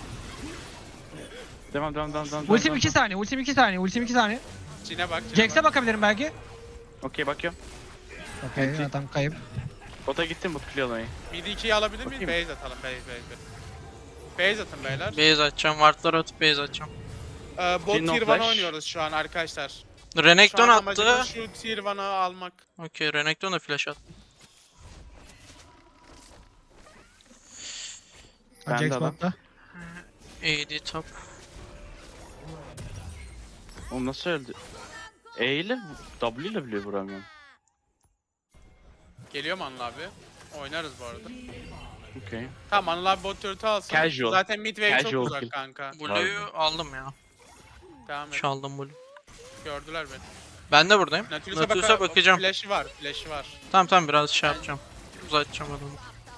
Speaker 2: Devam.
Speaker 4: Ultim 2 saniye, ultim 2 saniye, ultim 2 saniye.
Speaker 3: Cine bak.
Speaker 4: Jax'e bakabilirim belki.
Speaker 2: Okey, bakıyorum.
Speaker 4: Okey, adam kayıp.
Speaker 2: Bota gittim, bot clear olayı.
Speaker 3: Midi 2'yi alabilir miyiz?
Speaker 2: Bakayım.
Speaker 3: Base atalım. Base atın beyler.
Speaker 5: Base atacağım. Ward'ları atıp base atacağım.
Speaker 3: Bot
Speaker 2: Jhin no
Speaker 3: tier 1
Speaker 2: flash.
Speaker 3: oynuyoruz şu an arkadaşlar.
Speaker 5: Renekton
Speaker 3: Şu an amacımız
Speaker 5: attı.
Speaker 3: şu tier 1'ı almak.
Speaker 5: Okey, Renekton da flash attı.
Speaker 2: Ben de
Speaker 4: Jax
Speaker 2: adam.
Speaker 4: botta.
Speaker 5: AD top.
Speaker 2: Oğlum nasıl öldü? E ile W ile bile vuramıyorum.
Speaker 3: Geliyor mu Anıl abi? Oynarız bu arada.
Speaker 2: Okey.
Speaker 3: Tamam Anıl abi bot turret'ı alsın.
Speaker 2: Casual.
Speaker 3: Zaten mid wave çok
Speaker 2: Casual
Speaker 3: uzak
Speaker 2: kill.
Speaker 3: kanka.
Speaker 5: Blue'yu aldım ya.
Speaker 3: Devam et.
Speaker 5: Çaldım Blue.
Speaker 3: Gördüler beni.
Speaker 5: Ben de buradayım.
Speaker 3: Nautilus'a
Speaker 5: Nautilus'a bakacağım.
Speaker 3: Flash'i var.
Speaker 5: Tamam biraz şey yapacağım. Uzatacağım adamı.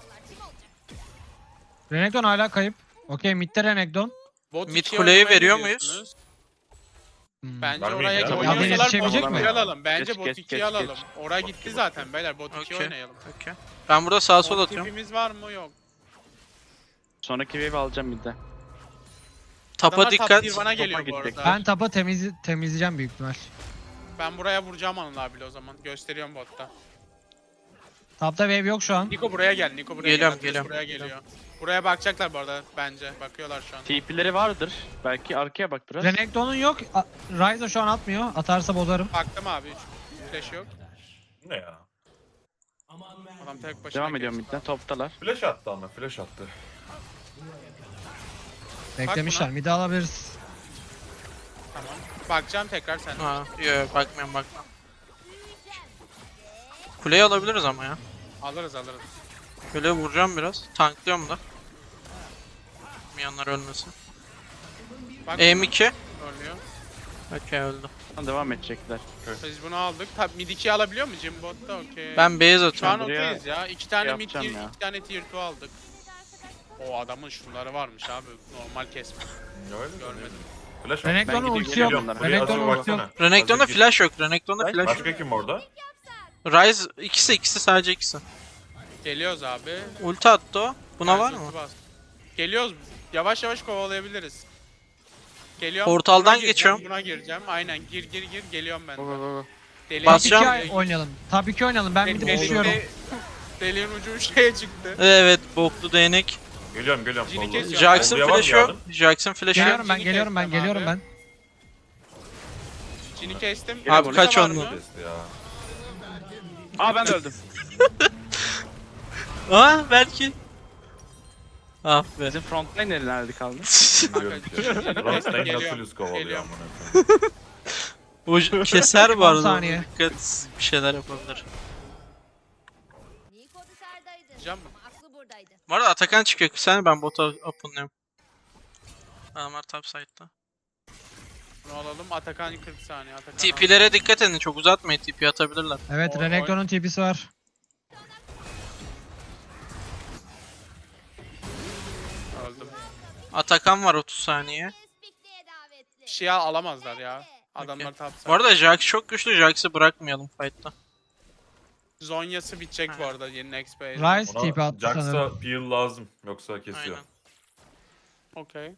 Speaker 4: Renekton hala kayıp. Okey, midde Renekton.
Speaker 3: Bot
Speaker 5: Mid
Speaker 3: 2'ye
Speaker 5: kuleyi
Speaker 3: oynamaya
Speaker 5: veriyor
Speaker 3: gidiyorsunuz.
Speaker 5: muyuz?
Speaker 4: Hmm.
Speaker 3: Bence
Speaker 1: Vermeyin
Speaker 3: oraya
Speaker 1: ya.
Speaker 3: oynuyorsalar bot
Speaker 4: Yetişebilecek
Speaker 3: 2'yi
Speaker 4: mi?
Speaker 3: alalım. Bence
Speaker 2: Geç,
Speaker 3: bot
Speaker 2: geç,
Speaker 3: 2'yi
Speaker 2: geç,
Speaker 3: alalım.
Speaker 2: geç.
Speaker 3: Oraya gitti zaten beyler. Bot 2'yi
Speaker 5: Okey.
Speaker 3: oynayalım.
Speaker 5: Okey. Ben burada sağa sol
Speaker 3: Bot
Speaker 5: atıyorum.
Speaker 3: tipimiz var mı? Yok.
Speaker 2: Sonraki wave alacağım midde.
Speaker 5: Tapa
Speaker 3: Adamlar top
Speaker 5: dikkat.
Speaker 3: tier 1'a geliyor bu
Speaker 2: gidecek.
Speaker 3: arada.
Speaker 4: Ben tapa temizleyeceğim büyük ihtimal.
Speaker 3: Ben buraya vuracağım Anıl abiyle o zaman. Gösteriyorum botta.
Speaker 4: Tapta wave yok şu an.
Speaker 3: Niko buraya gel.
Speaker 5: Geliyorum,
Speaker 3: Nautilus'a
Speaker 5: geliyorum.
Speaker 3: Buraya geliyor. Buraya bakacaklar bu arada bence. Bakıyorlar şu an.
Speaker 2: TP'leri vardır. Belki arkaya bak biraz.
Speaker 4: Renekton'un yok. Ryze şu an atmıyor. Atarsa bozarım.
Speaker 3: Baktım abi. Flash yok.
Speaker 1: Ne ya?
Speaker 3: Adam tek başına
Speaker 2: Devam ediyorum
Speaker 3: geçti.
Speaker 2: midden. Toptalar.
Speaker 1: Flash attı ama flash attı.
Speaker 4: Beklemişler.
Speaker 3: buna.
Speaker 4: Mid'i alabiliriz.
Speaker 3: Tamam. Bakacağım tekrar sen.
Speaker 5: Ha, yok bakmıyorum. Kuleyi alabiliriz ama ya.
Speaker 3: Alırız.
Speaker 5: Şöyle vuracağım biraz. Tanklıyorum da. Miyanlar ölmesin.
Speaker 3: Bak
Speaker 5: M2.
Speaker 3: ölmüyor.
Speaker 5: Okey öldü.
Speaker 2: Devam edecekler.
Speaker 3: Biz bunu aldık. Tabi mid 2'yi alabiliyor mu Jim botta? Okey.
Speaker 5: Ben base
Speaker 3: Şu an
Speaker 5: atıyorum.
Speaker 2: buraya
Speaker 3: okeyiz ya. 2 tane mid
Speaker 2: yapacağım
Speaker 3: tier,
Speaker 2: ya.
Speaker 3: 2 tane tier 2 aldık. O adamın şunları varmış abi. Normal kesme.
Speaker 1: Öyle mi?
Speaker 3: Görmedim.
Speaker 1: Flash
Speaker 4: Renekton'un
Speaker 2: gideyim,
Speaker 4: ultisi yok.
Speaker 2: geliyorum onlara.
Speaker 1: Buraya
Speaker 4: Renekton'un
Speaker 1: hazır
Speaker 4: ultisi yok.
Speaker 1: baksana.
Speaker 5: Renekton'da
Speaker 1: Hazır git.
Speaker 5: flash yok. Renekton'da flash yok.
Speaker 1: Başka kim orada?
Speaker 5: Ryze ikisi sadece ikisi.
Speaker 3: Geliyoruz abi.
Speaker 5: Ulti attı o. Buna var
Speaker 3: Ulti
Speaker 5: mı?
Speaker 3: bas. Geliyoruz. Yavaş yavaş kovalayabiliriz. Geliyorum.
Speaker 5: Portaldan
Speaker 3: Buna gireceğim,
Speaker 5: geçiyorum.
Speaker 3: Buna gireceğim. Aynen gir. Geliyorum ben.
Speaker 2: Go go go.
Speaker 3: Deli
Speaker 4: Top
Speaker 5: Basacağım.
Speaker 4: 2 oynayalım. Top 2 oynayalım. Ben mid'i bozuyorum.
Speaker 3: Deliğin ucu şeye çıktı.
Speaker 5: Evet, boklu değnek.
Speaker 1: Geliyorum.
Speaker 3: Jhin'i
Speaker 1: Solda.
Speaker 3: kesiyorum.
Speaker 5: Jackson
Speaker 1: Olduya var mı
Speaker 5: flash'ı yok.
Speaker 1: yardım?
Speaker 5: Jackson flash'ı yok.
Speaker 4: Geliyorum ben,
Speaker 3: Jhin'i
Speaker 4: geliyorum ben,
Speaker 3: kestim
Speaker 4: geliyorum
Speaker 3: abi.
Speaker 4: ben.
Speaker 3: Jhin'i kestim.
Speaker 5: Abi
Speaker 3: Ulti
Speaker 5: kaç
Speaker 3: var
Speaker 5: onlu?
Speaker 3: mı?
Speaker 1: Kesti ya.
Speaker 2: Aa ben de öldüm.
Speaker 5: Aa belki. Ah be.
Speaker 2: Bizim frontline nerede kaldı?
Speaker 1: Biliyorum ki. Rastlayın
Speaker 3: Geliyorum,
Speaker 1: Nautilus kovalıyor
Speaker 3: geliyorum.
Speaker 1: amına koyayım.
Speaker 5: O keser bu
Speaker 4: 10
Speaker 5: arada.
Speaker 4: saniye.
Speaker 5: Dikkat, bir şeyler yapabilir.
Speaker 6: Niko dışarıdaydı.
Speaker 3: Cam mı?
Speaker 6: Ama aklı buradaydı.
Speaker 5: Bu arada Atakan çıkıyor. Sen ben bota open'lıyorum. Adamlar top side'da.
Speaker 3: Bunu alalım. Atakan 40 saniye. Atakan
Speaker 5: TP'lere dikkat edin. Çok uzatmayın. TP atabilirler.
Speaker 4: Evet
Speaker 3: Oy,
Speaker 4: Renekton'un TP'si var.
Speaker 3: öldüm.
Speaker 5: Atakan var 30 saniye.
Speaker 6: Pikniğe davetli.
Speaker 3: Bir şey alamazlar ya. Adamlar tapsa.
Speaker 5: Bu arada Jax çok güçlü. Jax'ı bırakmayalım fight'ta.
Speaker 3: Zonya'sı bitecek bu arada yeni next phase.
Speaker 4: Ryze TP
Speaker 1: Ona
Speaker 4: attı sanırım.
Speaker 1: Jax'a peel lazım. Yoksa kesiyor.
Speaker 5: Aynen.
Speaker 3: Okey.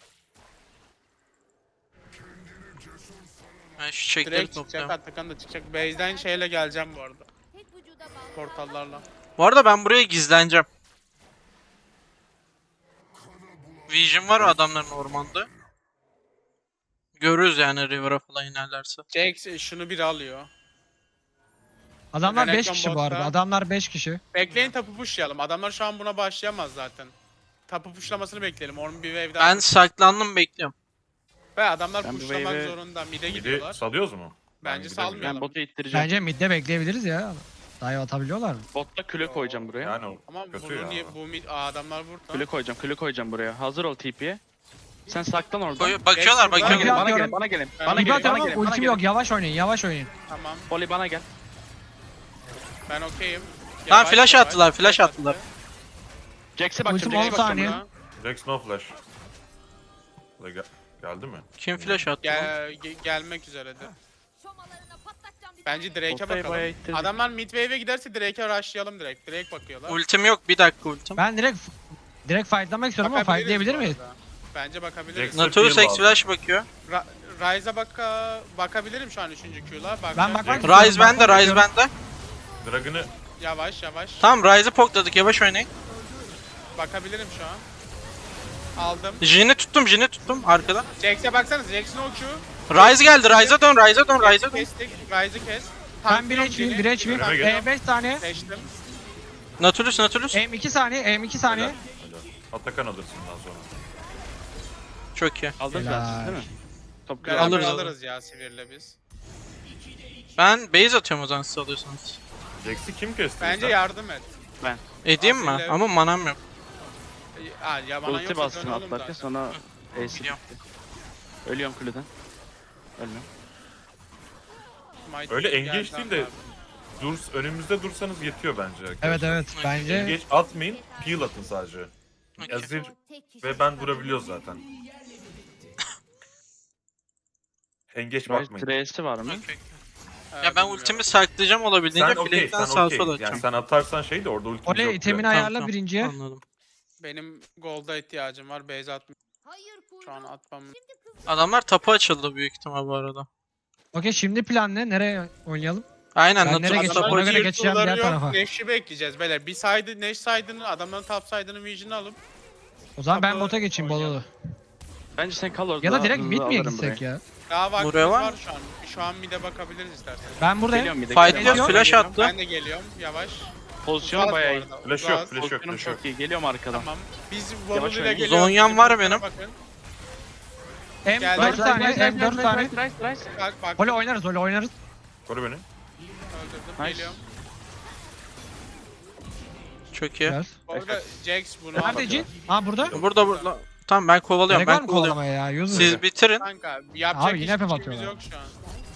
Speaker 5: Ben şu çekleri
Speaker 3: Direkt çıkacak.
Speaker 5: topluyorum.
Speaker 3: Atakan da çıkacak. Base'den şeyle geleceğim bu arada.
Speaker 6: Tek vücuda bağlı.
Speaker 3: Portallarla.
Speaker 5: Bu arada ben buraya gizleneceğim. Vision var o adamların ormanda. Görürüz yani River'a falan inerlerse.
Speaker 3: Jax şunu biri alıyor.
Speaker 4: Adamlar 5
Speaker 3: Renekton
Speaker 4: kişi bu
Speaker 3: botta.
Speaker 4: arada. Adamlar 5 kişi.
Speaker 3: Bekleyin tapu pushlayalım. Adamlar şu an buna başlayamaz zaten. Tapu pushlamasını bekleyelim. Onun bir wave'den.
Speaker 5: Ben saklandım bekliyorum.
Speaker 3: Ve adamlar
Speaker 2: Ben bu
Speaker 3: pushlamak
Speaker 2: wave'e-
Speaker 3: zorunda. Mid'e
Speaker 1: Midi
Speaker 3: gidiyorlar.
Speaker 1: salıyoruz mu? Ben
Speaker 3: Bence
Speaker 1: gidebilirim.
Speaker 3: salmayalım.
Speaker 2: Ben botu ittireceğim.
Speaker 4: Bence midde bekleyebiliriz ya. Dive atabiliyorlar mı?
Speaker 2: Botta küle koyacağım buraya.
Speaker 1: Yani o
Speaker 3: Ama
Speaker 1: kötü
Speaker 3: bunu
Speaker 1: ya.
Speaker 3: niye bu mid adamlar burada.
Speaker 2: Küle koyacağım buraya. Hazır ol TP'ye. Sen saklan orada.
Speaker 5: Bakıyorlar
Speaker 3: Jax burada.
Speaker 5: bakıyorlar.
Speaker 3: Gel,
Speaker 2: Bana
Speaker 4: Atıyorum.
Speaker 2: gelin, bana gelin.
Speaker 3: Ben
Speaker 2: Bana
Speaker 3: TP
Speaker 2: gelin,
Speaker 4: atıyorum
Speaker 2: bana
Speaker 4: ama
Speaker 2: gelin. bana
Speaker 4: ultim
Speaker 2: gelin.
Speaker 4: yok. Yavaş oynayın. Yavaş oynayın.
Speaker 3: Tamam.
Speaker 2: Poli bana gel.
Speaker 3: Ben okeyim.
Speaker 5: Tamam,
Speaker 3: Yavaş,
Speaker 5: flash
Speaker 3: yavaş.
Speaker 5: attılar, flash
Speaker 3: Flash
Speaker 5: attılar.
Speaker 3: attı.
Speaker 2: Jax'e bakacağım,
Speaker 4: Ultim
Speaker 2: Jax'e
Speaker 4: 10
Speaker 2: bakacağım.
Speaker 4: saniye.
Speaker 3: Buna.
Speaker 1: Jax no flash. Geldi mi?
Speaker 5: Kim flash attı? lan?
Speaker 3: Gelmek üzeredir.
Speaker 6: Şomalarına patlatacağım bir
Speaker 3: Bence
Speaker 6: tane.
Speaker 3: Drake'e
Speaker 2: Botayı bayağı
Speaker 3: bakalım.
Speaker 2: ittirdik.
Speaker 3: Adamlar mid wave'e giderse Drake'e rushlayalım direkt. Drake bakıyorlar.
Speaker 5: Ultim yok. Bir dakika ultim.
Speaker 4: Ben direkt fightlamak istiyorum ama
Speaker 3: Bakabiliriz
Speaker 4: fightlayabilir
Speaker 3: bu
Speaker 4: miyiz?
Speaker 3: arada. Bence bakabiliriz.
Speaker 1: Jax-
Speaker 5: Nautilus
Speaker 1: Peel
Speaker 5: X
Speaker 1: lazım.
Speaker 5: flash bakıyor.
Speaker 3: Ryze'a bakabilirim şu an 3. Q'la.
Speaker 4: Ben bakmak
Speaker 1: Jax-
Speaker 5: Ryze bende, Ryze bende.
Speaker 1: Dragon'ı
Speaker 3: Yavaş yavaş.
Speaker 5: Tamam Ryze'ı pokladık. Yavaş oynayın.
Speaker 3: Bakabilirim şu an. Aldım.
Speaker 5: Jin'i tuttum arkada.
Speaker 3: Jax'e baksanız Jax'in o Q.
Speaker 5: Ryze geldi. Ryze'a dön, Ryze'a dön, Ryze'a dön.
Speaker 3: Kestik. Ryze'ı kes.
Speaker 4: Ben 1 HP, 1 HP.
Speaker 1: Önüme gel.
Speaker 4: 5 saniye.
Speaker 3: Seçtim.
Speaker 5: Nautilus.
Speaker 4: M2 saniye, M2 saniye.
Speaker 1: Helal. Atakan alırsın daha sonra.
Speaker 5: Çok iyi.
Speaker 2: Aldınız
Speaker 4: Helal.
Speaker 2: zaten değil mi? Top
Speaker 3: Beraber
Speaker 5: Alırız,
Speaker 3: alırız ya Sivir'le biz.
Speaker 5: Ben base atıyorum o zaman siz alıyorsanız.
Speaker 1: Jax'i kim kesti?
Speaker 3: Bence
Speaker 1: sen?
Speaker 3: yardım et.
Speaker 5: Edeyim mi?
Speaker 3: Aferin.
Speaker 5: Ama manam yok.
Speaker 3: Ya bana
Speaker 2: Ulti
Speaker 3: yoksa
Speaker 2: bastın
Speaker 3: dön oğlum
Speaker 2: atlarken
Speaker 3: zaten.
Speaker 2: sonra Ace'i
Speaker 5: Biliyorum.
Speaker 2: bitti. Ölüyorum kuleden. Ölmüyorum.
Speaker 3: Mighty
Speaker 1: Öyle
Speaker 3: geldi
Speaker 1: engage değil de
Speaker 3: abi.
Speaker 1: önümüzde dursanız yetiyor bence. arkadaşlar.
Speaker 4: Evet evet bence.
Speaker 1: Engage atmayın, peel atın sadece.
Speaker 5: Okey.
Speaker 1: Azir
Speaker 6: Tek kişi
Speaker 1: ve ben durabiliyoruz zaten. Engage
Speaker 2: Rise
Speaker 1: bakmayın.
Speaker 2: Trace'i var mı?
Speaker 5: Okey.
Speaker 3: Ha,
Speaker 5: Ya ben
Speaker 3: bilmiyorum.
Speaker 5: ultimi saklayacağım olabildiğince
Speaker 1: Sen okey,
Speaker 5: flankten
Speaker 1: sen
Speaker 5: sağa
Speaker 1: okey.
Speaker 5: sola
Speaker 1: Yani
Speaker 5: atacağım.
Speaker 1: sen atarsan şey de orada ultimiz
Speaker 4: Oley
Speaker 1: yok.
Speaker 4: itemini
Speaker 1: yani.
Speaker 4: ayarla birinciye.
Speaker 5: Anladım.
Speaker 3: Benim gold'a ihtiyacım var. Base atmam.
Speaker 6: Hayır
Speaker 3: Şu an
Speaker 6: kuyruğum.
Speaker 3: atmam.
Speaker 5: Adamlar tapu açıldı büyük ihtimal bu arada.
Speaker 4: Okey şimdi plan ne? Nereye oynayalım?
Speaker 5: Aynen
Speaker 4: Ben nereye
Speaker 5: Nautilus
Speaker 4: geçeceğim?
Speaker 5: tapu
Speaker 4: Ona
Speaker 5: açıldı.
Speaker 4: göre geçeceğim diğer tarafa.
Speaker 3: Nash'i bekleyeceğiz beyler. Bir side, Nash side'ını, adamların top side'ını vision'ı alıp.
Speaker 4: O zaman ben
Speaker 3: Tapu
Speaker 4: bota geçeyim
Speaker 3: oynayalım.
Speaker 4: Bololu.
Speaker 2: Bence sen kal orada.
Speaker 4: Ya da
Speaker 2: daha
Speaker 4: direkt
Speaker 2: hızlı
Speaker 4: mid miye
Speaker 2: alırım
Speaker 4: gitsek
Speaker 2: burayı.
Speaker 4: ya?
Speaker 3: Daha vaktimiz
Speaker 5: Buraya var
Speaker 3: var
Speaker 5: mı?
Speaker 3: şu an. Şu an mid'e bakabiliriz isterseniz.
Speaker 4: Ben buradayım.
Speaker 2: Geliyorum bir de.
Speaker 5: Fight
Speaker 2: geliyorum.
Speaker 5: ediyoruz, flash
Speaker 3: Geliyorum.
Speaker 5: attı.
Speaker 3: Ben de geliyorum. Yavaş.
Speaker 2: Pozisyonu
Speaker 3: Uzağız
Speaker 2: bayağı
Speaker 3: bu
Speaker 2: iyi.
Speaker 3: arada,
Speaker 1: Flash
Speaker 3: uzağız.
Speaker 1: yok, flash yok,
Speaker 2: Pozisyonum
Speaker 1: flash yok.
Speaker 2: çok iyi. Geliyorum arkadan.
Speaker 3: Tamam. Biz
Speaker 2: Yavaş
Speaker 3: Volulu ile
Speaker 2: oynayın.
Speaker 3: geliyoruz.
Speaker 5: Zonya'm var
Speaker 3: Bizim
Speaker 5: benim.
Speaker 3: bakın.
Speaker 4: M4
Speaker 3: Rise,
Speaker 4: saniye,
Speaker 2: Rise,
Speaker 4: M4
Speaker 2: Rise,
Speaker 4: saniye.
Speaker 2: Rise, Rise, Rise.
Speaker 3: Bak
Speaker 4: Oli oynarız, Oli oynarız.
Speaker 1: Koru beni.
Speaker 3: öldürdüm.
Speaker 2: Nice.
Speaker 3: Geliyorum.
Speaker 5: Çok iyi.
Speaker 4: Biraz.
Speaker 3: Bu arada Jax bunu
Speaker 4: Nerede
Speaker 3: aldı.
Speaker 4: Jin? Ha burada.
Speaker 5: Burada. Tamam ben kovalıyorum,
Speaker 4: Gerek var
Speaker 5: ben
Speaker 4: mı
Speaker 5: kovalıyorum.
Speaker 4: kovalamaya ya? User.
Speaker 5: Siz bitirin.
Speaker 3: Kanka yapacak
Speaker 4: Abi yine
Speaker 3: hiçbir
Speaker 4: FF
Speaker 3: şeyimiz
Speaker 4: atıyorlar.
Speaker 3: yok şu an.